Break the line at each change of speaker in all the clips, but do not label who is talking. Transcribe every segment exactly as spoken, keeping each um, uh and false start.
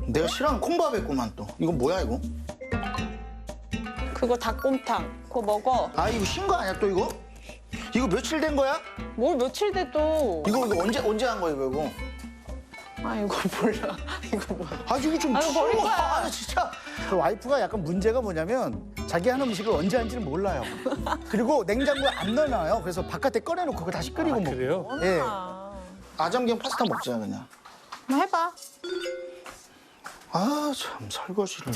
내가 싫어하는 콩밥 했구만 또. 이거 뭐야 이거?
그거 닭곰탕. 그거 먹어.
아 이거 신 거 아니야 또 이거? 이거 며칠 된 거야?
뭘 며칠 돼도.
이거 이거 언제 언제 한 거야 이거? 이거?
아 이거 몰라. 이거 뭐야.
아 이거 좀
아, 이거 버릴
치워.
거야.
아 진짜.
그 와이프가 약간 문제가 뭐냐면 자기 하는 음식을 언제 하는지는 몰라요. 그리고 냉장고에 안 넣어놔요. 그래서 바깥에 꺼내놓고 그거 다시 끓이고 먹고.
그래요?
예.
아,
아점갱 파스타 먹자 그냥.
한번 해봐.
아 참 설거지를.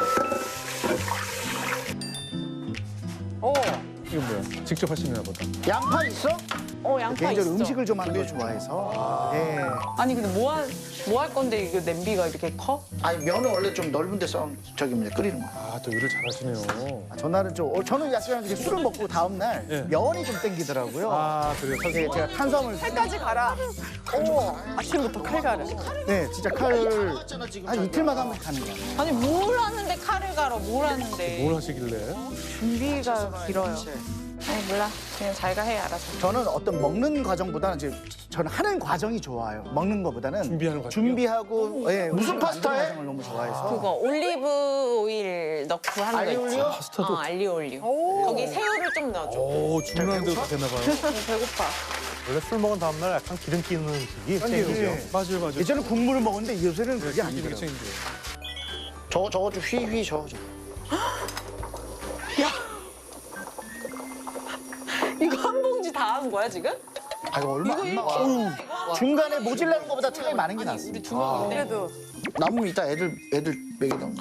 어.
이거 뭐야? 직접 하시나 보다.
양파 있어?
어 양파
개인적으로
있어.
음식을 좀 하는 걸 좋아해서. 예.
아니 근데 뭐 할 뭐 할 건데 이거 냄비가 이렇게 커?
아니 면은 원래 좀 넓은 데서 저기 뭐냐 끓이는 거야.
아, 또 요리 잘하시네요.
전날은 좀 어, 저는 약간 이렇게 술을 먹고 다음 날
예.
면이 좀 땡기더라고요.
아, 그래요?
예, 제가 탄수화물
칼까지 갈아. 오, 아침부터 칼 갈아.
네, 진짜 칼을
맞잖아 지금.
한 이틀마다 한 번씩 가는 거예요.
아니 뭘 하는데 칼을 갈아? 뭘 하는데?
뭘 하시길래?
준비가 길어요. 아니 몰라. 그냥 자기가 해 알아서.
저는 어떤 먹는 과정보다는 이제 저는 하는 과정이 좋아요. 먹는 것보다는
준비하는 과정이요?
준비하고 예,
무슨
만드는
파스타에?
과정을 너무 좋아해서.
그거 올리브 오일 넣고 하는 거 있지?
알리올리오?
파스타도?
어, 알리오 올리오. 거기 새우를 좀 넣어줘.
오, 중요한 데로 다 되나 봐요.
배고파.
원래 술 먹은 다음날 약간 기름 끼는 음식이 땡기죠.
예.
맞아요, 맞아요.
예전에 국물을 먹었는데 요새는 그게
이게
아니더라고요.
챙겨요.
저거 저거 좀 휘휘 저거 좀.
이거 한 봉지 다 한 거야 지금?
아, 이거 얼마 안 나와.
어우,
중간에 모질라는 것보다 차이 많은 게 낫습니다.
우리 두 명인데. 그래도.
남으면 이따 애들 애들 먹이던가.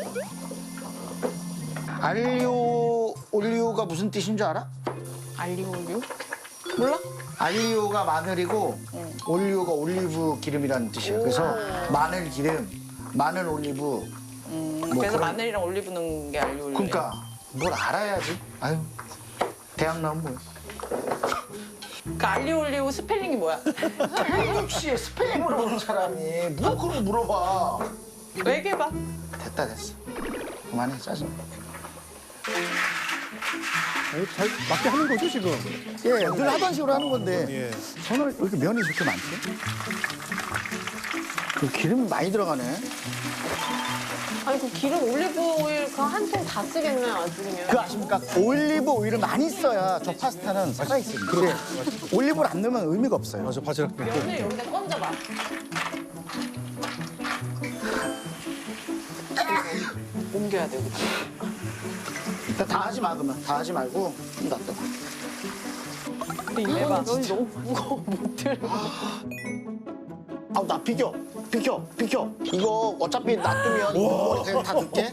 알리오 올리오가 무슨 뜻인 줄 알아?
알리오 올리오? 몰라?
알리오가 마늘이고 올리오가 올리브 기름이라는 뜻이에요. 그래서 마늘 기름, 마늘 올리브.
음,
뭐
그래서
그런-
마늘이랑 올리브 넣은 게 알리오 올리오.
그러니까 뭘 알아야지. 아유 대학 나온 뭐야?
그러니까 알리오 올리오 스펠링이 뭐야?
혹시 스펠링 물어보는 사람이 뭐 그런 거 물어봐.
얘기해봐.
됐다 됐어. 그만해 짜증.
아니, 잘 맞게 하는 거죠, 지금?
예, 늘 하던 식으로 하는 건데
예.
저는 왜 이렇게 면이 이렇게 많지?
그 기름이 많이 들어가네.
아니 그 기름 올리브 오일 그 한 통 다 쓰겠네 나중에.
그 아십니까? 올리브 오일을 많이 써야 저 파스타는 살아있습니다. 근데 올리브를 안 넣으면 의미가 없어요.
맞아, 바지락 면.
면을 여기다 건져봐. 옮겨야 돼 여기다.
일단 다 하지 마 그러면. 다 하지 말고 좀 놔둬.
근데 이거 면이 너무 무거워 못 들어.
아우 나 비켜 비켜 비켜. 이거 어차피 놔두면 머리 그냥 다 늦게.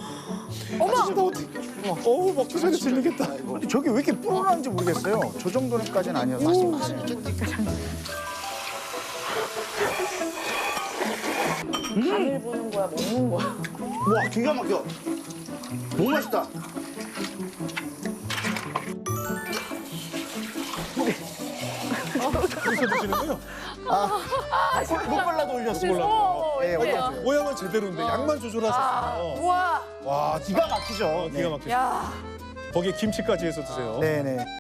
어우, 먹기 전에 질리겠다.
근데 저게 왜 이렇게 불어나는지 모르겠어요. 저 정도는까지는 아니었어요.
간을 보는 거야 먹는 거야.
와 기가 막혀. 너무 맛있다.
그래서 드시는군요.
못 발라도 올렸어요.
몰라.
예, 올렸어요.
모양은 제대로인데 양만 조절하셨어요.
우와.
와,
기가 막히죠.
기가
네.
막히죠.
야.
거기에 김치까지 해서 드세요.
네네.